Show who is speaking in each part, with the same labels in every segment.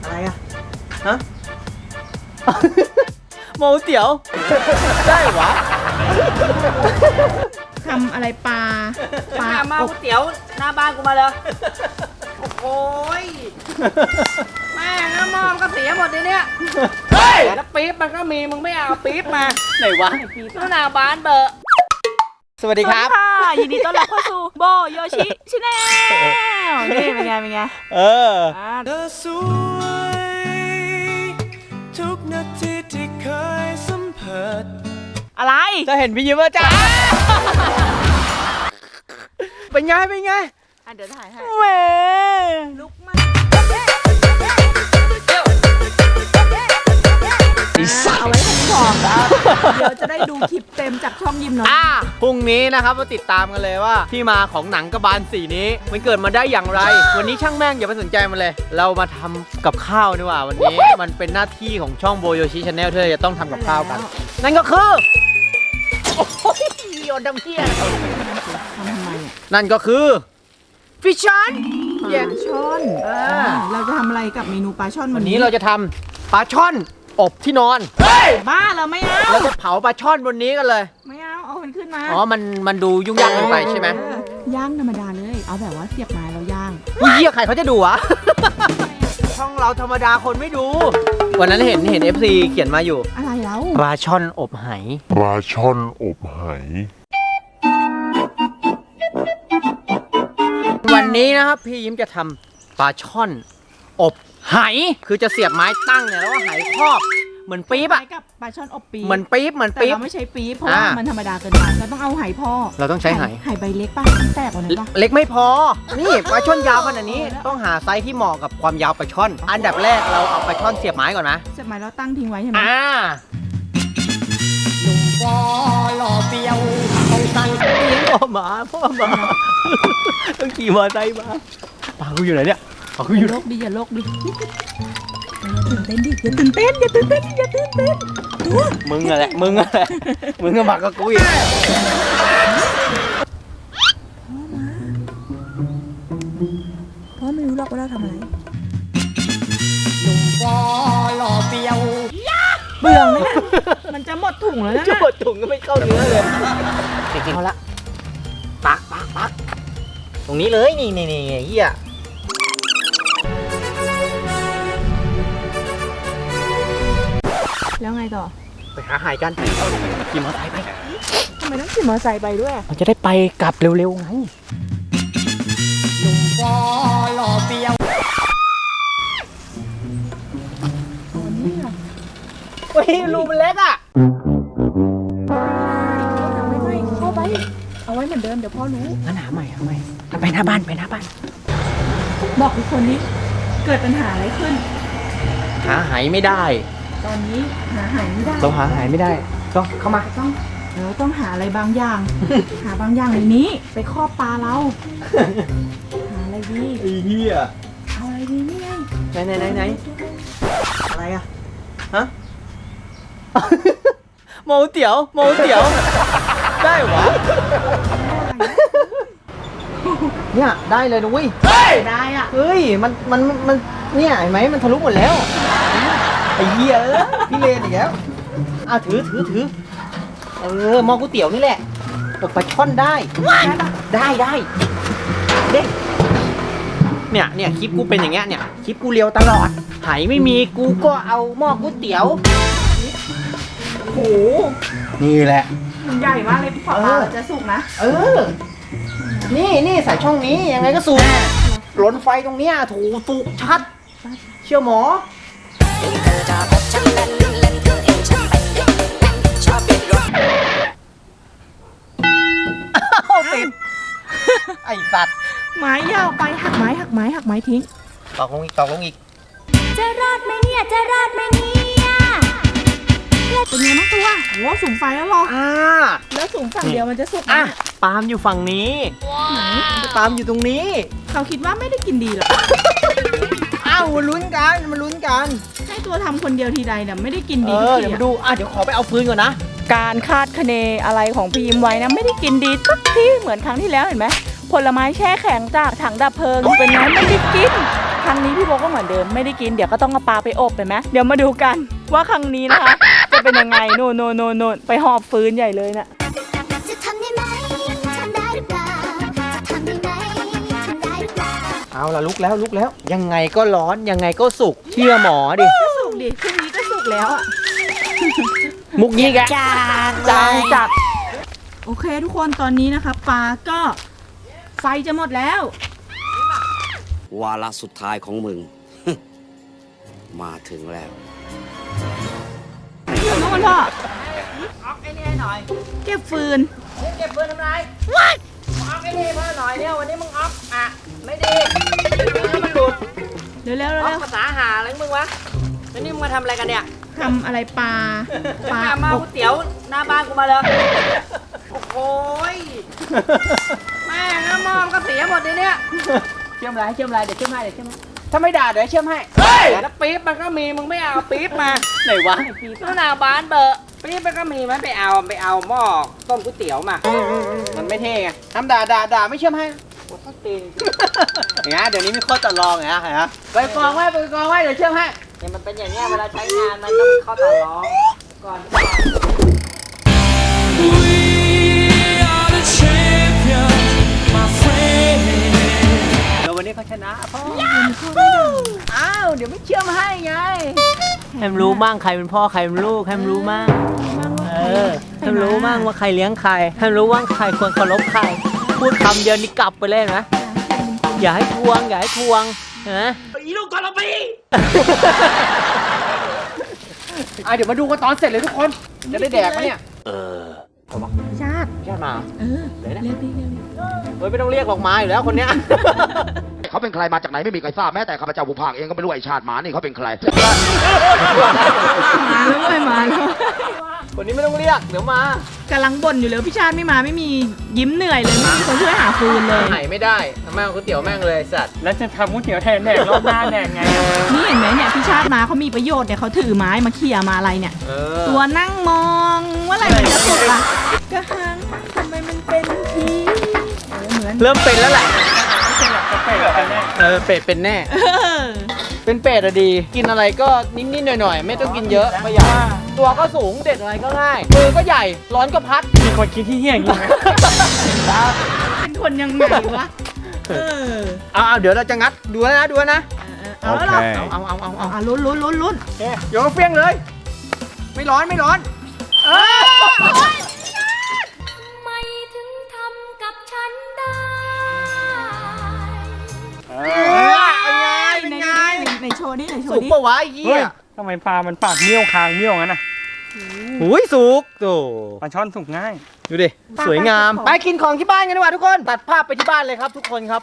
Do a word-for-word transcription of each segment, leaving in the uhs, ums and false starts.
Speaker 1: อะไรอะฮะโมเตี๋ยวได้หวะ
Speaker 2: ทำอะไรปลาปลา
Speaker 3: มาก๋วยเตี๋ยวหน้าบ้านกูมาเลยโอ้ยแม่งน้ำมอมก็เสียหมดเลยเนี่ยเฮ้ยแล้วปี๊บมันก็มีมึงไม่เอาปี๊บมา
Speaker 1: ไหนวะ
Speaker 3: หน้าบ้านเบอร์
Speaker 1: สวัสดีครับ
Speaker 2: ค่ะยินดีต้อนรับเข้าสู่โบโยชิชิแนลนี่เป็นไงเป็นไง
Speaker 1: เออ
Speaker 4: เธอสวยทุกนาทีที่เคยสัมผัส
Speaker 2: อะไร
Speaker 1: จะเห็นพี่ยิ้มว่าจ้าเป็นไงเป็นไง
Speaker 2: อ่ะเดี๋ยวถ่ายให้
Speaker 1: เว้ย
Speaker 2: ลุกมาเอาไว้ให้พร้อมแล้วเดี๋ยวจะได้ดูคลิปเต็มจากช่องยิมหน่อย
Speaker 1: อ่าพรุ่งนี้นะครับมาติดตามกันเลยว่าที่มาของหนังกระบาลสีนี้มันเกิดมาได้อย่างไรวันนี้ช่างแม่งอย่าไปสนใจมันเลยเรามาทำกับข้าวดีกว่าวันนี้มันเป็นหน้าที่ของช่องโบโยชิชาแนลที่เราจะต้องทำกับข้าวกันนั่นก็คือโอ้ยโยนดำเที่ย
Speaker 2: ทำทำไม
Speaker 1: นั่นก็คือฟิชชั่น
Speaker 2: ปลาช่อนเราจะทำอะไรกับเมนูปลาช่อน
Speaker 1: วั
Speaker 2: วัน น
Speaker 1: นี้
Speaker 2: นี้
Speaker 1: เราจะทำปลาช่อนอบที่นอน
Speaker 2: บ้าเราไม่เอา
Speaker 1: เราจะเผาปลาช่อนบนนี้กันเลย
Speaker 2: ไม่เอาเอามันขึ้นมา
Speaker 1: อ๋อมันมันดูยุ่งยากเกินไปใช่ไหม
Speaker 2: ย่างธรรมดาเลยเอาแบบว่าเสียบไม้แล้วย่าง
Speaker 1: อุ้ยเหี้ยใครเขาจะดูวะช่องเราธรรมดาคนไม่ดูวันนั้นเห็นเห็น เอฟ ซี เขียนมาอยู่
Speaker 2: อะไรแล้ว
Speaker 1: ปลาช่อนอบไห
Speaker 5: ปลาช่อนอบไห
Speaker 1: วันนี้นะครับพี่ยิ้มจะทำปลาช่อนอบไหคือจะเสียบไม้ตั้งเนี่ยแล้วก็ไหครอบเหมือนปี๊บอะ
Speaker 2: กับปลาช่อนอบปี๊บ
Speaker 1: เหมือนปี๊บเหมือน
Speaker 2: แต่
Speaker 1: ปี๊บ
Speaker 2: เราไม่ใช้ปี๊บเพราะว่ามันธรรมดาเกินไปเราต้องเอาไหพ่อ
Speaker 1: เราต้องใช้ไห
Speaker 2: ไหใบเล็กป่ะแตกกว่านั้นป่ะ
Speaker 1: เล็กไม่พอนี่ปลาช่อนยาวขนาดนี้ต้องหาไซส์ที่เหมาะกับความยาวปลาช่อนอันดับแรกเราเอาปลาช่อนเสียบไม้ก่อนนะ
Speaker 2: เสียบไม้แล้วตั้งทิ้งไว้ใช่ไหม
Speaker 1: อ่าหนุ่มฟอหล่อเปียวต้องสั่งพ่อหมาพ่อหมาต้องขี่มอเตอร์ไซค์มาปลากูอยู่ไหนเนี่ยปลากูอยู่
Speaker 2: โลกดิอย่าโลกดิตื่นเต้นดิอย่าตื่นเต้นอย่าตื่นเต้นอย่าตื่นเต้นดู
Speaker 1: มึงอะไรมึงอะไรมึงก็บักกับกูอีก
Speaker 2: พ่อไม่รู้หรอกว่าเราทำอะไร
Speaker 1: หนุ่มฟอหล่อเปียว
Speaker 2: เบื่อไหมนะมันจะหมดถุงแล้วนะ
Speaker 1: จะหมดถุงก็ไม่เข้าเนื้อเลยจริงๆเอาละปักปักปักตรงนี้เลยนี่นี่นี่เฮีย
Speaker 2: แล้วไงต่อ
Speaker 1: ไปหาหายกันขี่มอเตอร์ไซค์ไป
Speaker 2: ทำไมต้องขี่มอเตอร์ไซค์ไปด้วย
Speaker 1: มันจะได้ไปกลับเร็วๆไงหนุ่มฟอหล่อเปียวเฮ้ยรูมันเล็กอ่ะ
Speaker 2: ไม่ไม่เข้าไปเอาไว้เหมือนเดิมเดี๋ยวพ่อรู้
Speaker 1: งั้นหาใหม่หาใหม่ไปหน้าบ้านไปหน้าบ้าน
Speaker 2: บอกทุกคนนี้เกิดปัญหาอะไรขึ้น
Speaker 1: หาหายไม่ได้
Speaker 2: ตอนนี้หาหายไม่ได้
Speaker 1: เราหาหายไม่ได้ก็เข้ามา
Speaker 2: ต้องเราต้องหาอะไรบางอย่าง หาบางอย่างในนี้ไปครอบปลาเราหาอะไรดี
Speaker 1: ไอ้เหี้ย
Speaker 2: เอาอะไรดีนี่ไง
Speaker 1: ไหนไหนไหนไหนอะไรอะฮะโมเตี๋ยวโมเตี๋ยวได้หวะเนี่ยได้เลยนุ้ย
Speaker 2: เฮ้ยได้อ่ะ
Speaker 1: เฮ้ยมันมันมันเนี่ยเห็นไหมมันทะลุหมดแล้วไอ้เหี้ยเออพี่เลนอีกแล้วอ่ะถือถือถือเออมองก๋วยเตี๋ยวนี่แหละอบปลาช่อนได้ได้ได้เด็กเนี่ยเนี่ยคลิปกูเป็นอย่างเงี้ยเนี่ยคลิปกูเลียวตลอดไหไม่มีกูก็เอาหม้อก๋วยเตี๋ยว
Speaker 2: โอ้โห
Speaker 1: นี่แหละ
Speaker 2: มันใหญ่มากเลยฝาปลาจะสุกนะ
Speaker 1: เออนี่นี่ใส่ช่องนี้ยังไงก็สุกหลนไฟตรงเนี้ยถูสุกชัดเชื่อหมอติดไอ้สัตว์
Speaker 2: ไม้ยาวไปหักไม้หักไม้หักไม้ทิ้ง
Speaker 1: ตอกลงอีกตอกลงอีก
Speaker 2: จะรอดไหมเนี่ยจะรอดไหมเนี่ยเป็นไงบ้างตัวโหสูงไฟแล้วหรอ
Speaker 1: อ่า
Speaker 2: แล้วสูงฝั่งเดียวมันจะสุก
Speaker 1: อ่ะปาล์มอยู่ฝั่งนี้
Speaker 2: ไหน
Speaker 1: ปาล์มอยู่ตรงนี้
Speaker 2: เขาคิดว่าไม่ได้กินดีหรอ
Speaker 1: อ้าวลุ้นกันมาลุ้นกัน
Speaker 2: ให้ตัวทำคนเดียวทีใดเนี่ยไม่ได้กินดี
Speaker 1: เออเดี๋ยวมาดูอ่ะเดี๋ยวขอไปเอาฟืนก่อนนะ
Speaker 2: การคาดคะเนอะไรของพี่ยิ้มไว้นะไม่ได้กินดีสักทีเหมือนครั้งที่แล้วเห็นไหมผลไม้แช่แข็งจากถังดับเพลิงเป็นไงไม่ได้กินครั้งนี้พี่โบก็เหมือนเดิมไม่ได้กินเดี๋ยวก็ต้องเอาปลาไปอบไปไหมเดี๋ยวมาดูกันว่าครั้งนี้นะคะ จะเป็นยังไงโน่นโน่นโน่นโน่นไปหอบฟืนใหญ่เลยน่ะ
Speaker 6: จะทำได้ไหมทำได้หรือเปล่าจะทำได้ไหมทำได้หรือเปล่า
Speaker 1: เอาละลุกแล้วลุกแล้ว ยังไงก็ร้อนยังไงก็สุกเชื่อหมอดิ
Speaker 2: ก็สุกดิพรุ่งนี้ก็สุกแล้วอ่ะ
Speaker 1: มุกนี้แก
Speaker 6: จาง
Speaker 1: จางจัด
Speaker 2: โอเคทุกคนตอนนี้นะคะปลาก็ไฟจะหมดแล้ว
Speaker 7: วาระสุดท้ายของมึง มาถึงแล้ว
Speaker 2: น้องมันพ่อ
Speaker 3: ออกไอ้นี่ให้หน่อย
Speaker 2: เก็บฟืน
Speaker 3: เก็บปืนทำไร What ออกไอ้นี่ให้พ่อหน่อยเนี่ยวันนี้มึงออกอ่ะไม่ดีเดี๋ยวมันหลุด
Speaker 2: เร็วๆเร็ว
Speaker 3: อ
Speaker 2: เร็
Speaker 3: อก
Speaker 2: ว
Speaker 3: ภาษาหาอะไรของมึงวะแล้วนี่มึงมาทำอะไรกันเนี่ย
Speaker 2: ๆทำอะไรปลาปลา
Speaker 3: มามาก๋วยเตี๋ยวหน้าบ้านกูมาเลยโอ้โหยแม่งน้ำมอมก็เสียหมดเลยเนี่ย
Speaker 1: เชื่อมไรเชื่อมไรเดี๋ยวเชื่อมให้เดี๋ยวเชื่อมให้ถ้าไม่ด่าเดี๋ยวเชื่อมให้
Speaker 3: แล้วปี๊บมันก็มีมึงไม่เอาปี๊บมา
Speaker 1: ไหนวะ
Speaker 3: แล้วหน้าบ้านเบอร์ปี๊บมันก็มีมันไปเอาไปเอาหม้อต้มก๋วยเตี๋ยวมา
Speaker 1: มันไม่เท่ไงทำด่าด่าด่าไม่เชื่อมให้
Speaker 3: โอ้ยตีน
Speaker 1: อย่างเงี้ยเดี๋ยวนี้มีข้อต่อรองไงฮะเห็นไหมไปกองไว้ไปกองไว้เดี๋ยวเชื่อมให้
Speaker 3: เนี่ยมันเป็นอย่างเงี้ยเวลาใช้งานมันต้องเข้าต่อร้องก่อน
Speaker 1: เดี๋ยววันนี้เขาชนะพ่ออ้าวเดี๋ยวไม่เชื่อมให้ไงให้มันรู้มั่งใครเป็นพ่อใครเป็นลูกให้มันรู้มั่งเออให้มันรู้มั่งว่าใครเลี้ยงใครให้มันรู้ว่าใครควรเคารพใครพูดคำเดียวนี่กลับไปเลยนะอย่าให้ทวงอย่าให้ทวงนะอีลูกทรพีอ่ะเดี๋ยวมาดูกันตอนเสร็จเลยทุกคนจะได้แดกไหมเนี่ย
Speaker 2: ชาติ
Speaker 1: ญาติมา
Speaker 2: เออเร็วดิเร็วดิ
Speaker 1: เฮ้ยไม่ต้องเรียกหรอกมาอยู่แล้วคนเนี้ย
Speaker 8: เขาเป็นใครมาจากไหนไม่มีใครทราบแม้แต่ข้าพเจ้าผู้พากย์เองก็ไม่รู้ไอชาติหมานี่เขาเป็นใคร
Speaker 2: มาแล้วเว้ยมาแล้ว
Speaker 1: คนนี้ไม่ต้องเรียกเดี๋ยวมาก
Speaker 2: ำลังบ่นอยู่เลยพี่ชาติไม่มาไม่มียิ้มเหนื่อยเลยไม่มีคนช่วยหาฟืนเลย
Speaker 1: หายไม่ได้ทำไมเอาก๋วยเตี๋ยวแม่งเลยสัตว์
Speaker 9: แล้วจะทำก๋วยเตี๋ยวแทนแดกรอบหน้าแดกไงอะ
Speaker 2: นี่เห็นไหมเนี่ยพี่ชาติมาเขามีประโยชน์เนี่ยเขาถือไม้มาเขี่ยมาอะไรเนี่ย
Speaker 1: เออ
Speaker 2: ตัวนั่งมองว่าอะไรมันจะสุกอ่ะกระหังทำไมมันเป็นทีเออเหมือน
Speaker 1: เริ่มเป็นแล้วแหละ
Speaker 9: เป็ดกันแน่
Speaker 1: เออเป็ดเป็นแน่
Speaker 2: เออ
Speaker 1: เป็นเป็ดอะดี กินอะไรก็นิดๆหน่อยๆไม่ต้องกินเยอะประหยัดตัวก็สูงเด็ดอะไรก็ง่ายมือก็ใหญ่ร้อนก็พัด
Speaker 9: มีคนคิดที่เฮี้ยอย่างนี้ไหม
Speaker 2: เป็นคนยังไงวะเออ
Speaker 1: เอาเอาเดี๋ยวเราจะงัดดูแล้วนะดูแล้วนะ
Speaker 2: เอาแล้วเหรอ
Speaker 1: เอาเอาเอาเอา
Speaker 2: อ่ะลุ้นลุ้นลุ้นลุ้น
Speaker 1: โอเคเดี๋ยวก็เฟี้ยงเลย ไม่ร้อนไม่ร้อน
Speaker 2: เออ
Speaker 6: ทำไมถึงทำกับฉันได้
Speaker 2: เป็นไงในโชว์นี่ในโช
Speaker 1: สุ
Speaker 2: ว์
Speaker 1: ก
Speaker 2: นี่
Speaker 1: ปะวะไอ้เหี้
Speaker 9: เฮ้ย
Speaker 1: ย
Speaker 9: ทำไมปลามันปากเมี่ยวคางเมี่ยวงั้นน่ะ
Speaker 1: หุยสุกโต
Speaker 9: ปลาช่อนสุกง่าย
Speaker 1: ดูดิ สวยงาม ไปกินของที่บ้านกันดีกว่าทุกคน ตัดภาพไปที่บ้านเลยครับทุกคนครับ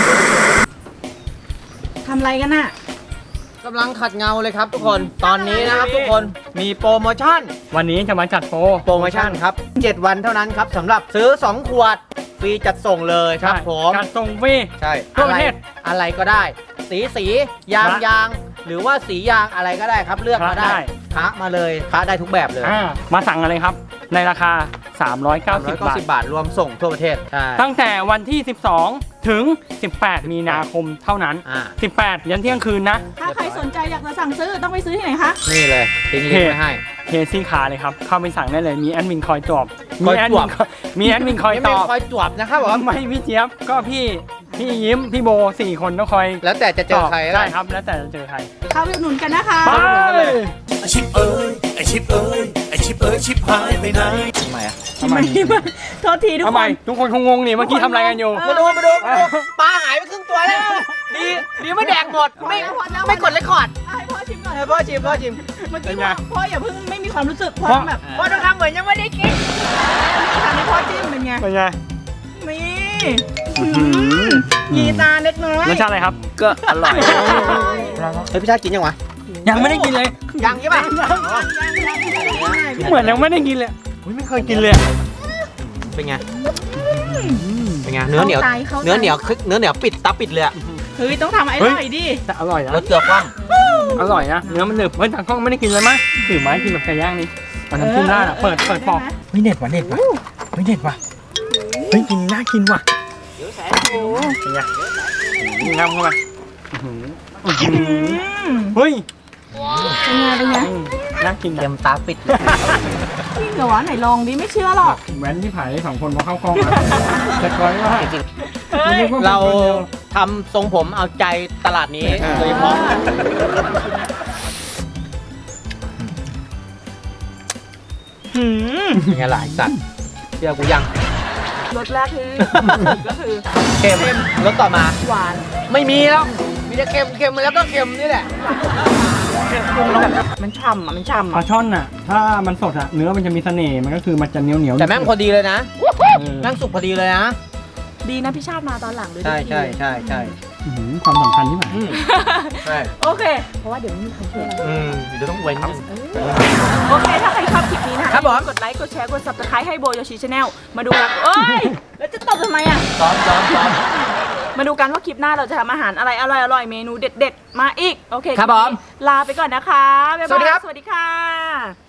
Speaker 2: ทำอะไรกันน่ะ
Speaker 1: กำลังขัดเงาเลยครับทุกคน ตอนนี้นะครับทุกคนมีโปรโมชั่น
Speaker 9: วันนี้จะมาจัดโปร
Speaker 1: โปรโมชั่นครับ เจ็ด วันเท่านั้นครับสำหรับซื้อ สอง ขวด ฟรีจัดส่งเลยครับผม
Speaker 9: การส่งฟรี
Speaker 1: ใช่
Speaker 9: ทั่วประเทศ
Speaker 1: อะไรอะไรก็ได้ สีสียาง
Speaker 9: พระ
Speaker 1: ยางหรือว่าสียางอะไรก็ได้ครับเลือกมา
Speaker 9: พระ
Speaker 1: ได้
Speaker 9: ได้
Speaker 1: พระมาเลยพระได้ทุกแบบเลย
Speaker 9: อ่ามาสั่งกันเลยครับ ในราคา สามร้อยเก้าสิบ
Speaker 1: ร้อยเก้า
Speaker 9: บาท
Speaker 1: สิบบาทรวมส่งทั่วประเทศใช่
Speaker 9: ตั้งแต่วันที่ สิบสอง ถึง สิบแปด มีนาคมเท่านั้น
Speaker 1: อ่า
Speaker 9: สิบแปด ยันเที่ยงคืนนะ
Speaker 2: ถ้าใครสนใจอยากจะสั่งซื้อต้องไปซื้อที่ไหนคะ
Speaker 1: นี่เลยทิ้งลิงก์ไว้ให้
Speaker 9: เคซี่คาเลยครับ เข้าไปสั่งได้เลย มีแอดมินคอยตอบ
Speaker 1: คอย
Speaker 9: มีแอด
Speaker 1: ต
Speaker 9: มิ
Speaker 1: อบ
Speaker 9: นคอยมีแอดมินคอย
Speaker 1: ไม่
Speaker 9: ต
Speaker 1: เป็น
Speaker 9: อบ
Speaker 1: คอยจวบนะครับผม
Speaker 9: ไม่พี่เจี๊ยบ ก็พี่ พี่ยิ้ม พี่โบสี่คนต้องคอย
Speaker 1: แล้วแต่จะเจอใคร
Speaker 9: ตบได้ครับ แล้วแต่จะเจอใคร
Speaker 2: เข้าไปอุดหนุนกันนะคะ
Speaker 9: ไป
Speaker 4: ไอชิปเอ้ยไอชิปเอ้ยไอชิปเอ้ยชิปหายไปไหน
Speaker 1: ทำไมอ่ะ
Speaker 9: ทำไม
Speaker 2: โทษทีทุก
Speaker 9: ทำ
Speaker 2: ค
Speaker 9: ไม
Speaker 2: น
Speaker 9: ทุกคนคงงงนี่เมื่อกี้ทำอะไรกันอยู่
Speaker 1: มาดูมาดูมาดูปลาหายไปครึ่งตัวแล้วดีดีไม่แดกหมดไม่ไม่กดเลคคอร์ด
Speaker 2: ให้พ่อชิมก่อน
Speaker 1: ให้พ่อชิมพ่อชิม
Speaker 2: เมื่อกี้
Speaker 9: เป็นไง
Speaker 2: พ่อพ่ออย่าเพิ่งไม่มีความรู้สึกพ่อ
Speaker 9: เพราะ
Speaker 2: แบบ
Speaker 1: พ่อต้องทำเหมือนยังไม่ได้กิน
Speaker 2: ทำให้พ่อจิ้มเป็นไง
Speaker 9: เป็นไง
Speaker 2: นี่ยีตาเล็กน้อย
Speaker 9: รสชาติอะไรครับ
Speaker 1: ก็อร่อยเฮ้ยพี่ชาติกินยังวะ
Speaker 9: ยังไม่ได้กินเลย
Speaker 1: ยังใช่ป่ะ
Speaker 9: เหมือนยังไม่ได้กินเลยอุ๊ยไม่เคยกินเลยอะ
Speaker 1: เป็นไงเป็นไงเนื้อเหนียวเนื้อเหนียวคึกเนื้อเหนียวปิดตาปิดเลยอะ
Speaker 2: เฮ้ยต้องทำไอ้อร่อยดิ
Speaker 9: แต่อร่อยนะ
Speaker 1: รสเกลือคว่
Speaker 9: อร่อยนะ เนื้อมันหนึบเฮ้ยทางกล้องไม่ได้กินเลยมั้ยถือไม้กินแบบไก่ย่างนี่เอาน้ำจิ้มราดอะเปิดเปิดปอกเฮ้ยเด็ดว่ะเด็ดว่ะเฮ้ยเด็ดว่ะเฮ้ยกินน่ากินว่ะ
Speaker 2: โอ้
Speaker 9: เป็นไงงามเข้าไปเฮ้ย
Speaker 2: เป็นไงเป็นไง
Speaker 9: น่ากิน
Speaker 1: เต็มตาปิด
Speaker 2: จริงเหรอวะไหนลองดิไม่เชื่อหรอก
Speaker 9: แว้นที่ผายสองคนพอเข้ากล้องอะแต่ก้อยว่า
Speaker 2: เฮ้ย
Speaker 1: เราทำทรงผมเอาใจตลาดนี้โดยเฉพาะ
Speaker 2: หืม
Speaker 1: เป็นไงหลายสัตว์เชื่อกูยัง
Speaker 2: รสแรกคือก็คือ
Speaker 1: เค็มรสต่อมา
Speaker 2: หวาน
Speaker 1: ไม่มีแล้ว มีแต่เค็มเค็มแล้วก็เค็มนี่แหละ
Speaker 2: แบบมันฉ่ำอ่ะมันฉ่ำ
Speaker 9: ปลา
Speaker 2: อ่ะ
Speaker 9: ช่อนอ่ะ ถ้ามันสดอ่ะ เนื้อมันจะมีเสน่ห์มันก็คือมันจะเหนียวเหนียวๆ
Speaker 1: แต่แม่งพอดีเลยนะ
Speaker 9: เออ
Speaker 1: แม่งสุกพอดีเลยนะ
Speaker 2: ดีนะพี่ชาติมาตอนหลังเลย
Speaker 1: ใช่ใช่ใช่ใช่
Speaker 9: อื้อหือความสำคัญที่ไหน
Speaker 1: ใช่
Speaker 2: โอเค เพราะว่าเดี๋ยวไม่มีใครช่วยเรา
Speaker 1: อืมเดี๋ยวต้องเว้น
Speaker 2: โอเค ถ้าใครชอบคลิปนี้นะคะ
Speaker 1: ครับผม
Speaker 2: กดไลค์ กดแชร์ กด subscribe ให้โบโยชิชาแนลมาดูกันเอ้ย แล้วจะตบทำไมอ่ะ
Speaker 1: ซ้อมซ้อมซ้อม
Speaker 2: มาดูกันว่าคลิปหน้าเราจะทำอาหารอะไรอร่อยอร่อยเมนูเด็ดๆ มาอีก โอเค
Speaker 1: ครับ
Speaker 2: ลิปนี้
Speaker 1: ผม
Speaker 2: ลาไปก่อนนะคะ บ๊าย
Speaker 1: สวัสดี
Speaker 2: บา
Speaker 1: ครั
Speaker 2: ย
Speaker 1: บ
Speaker 2: สวัสดีค่ะ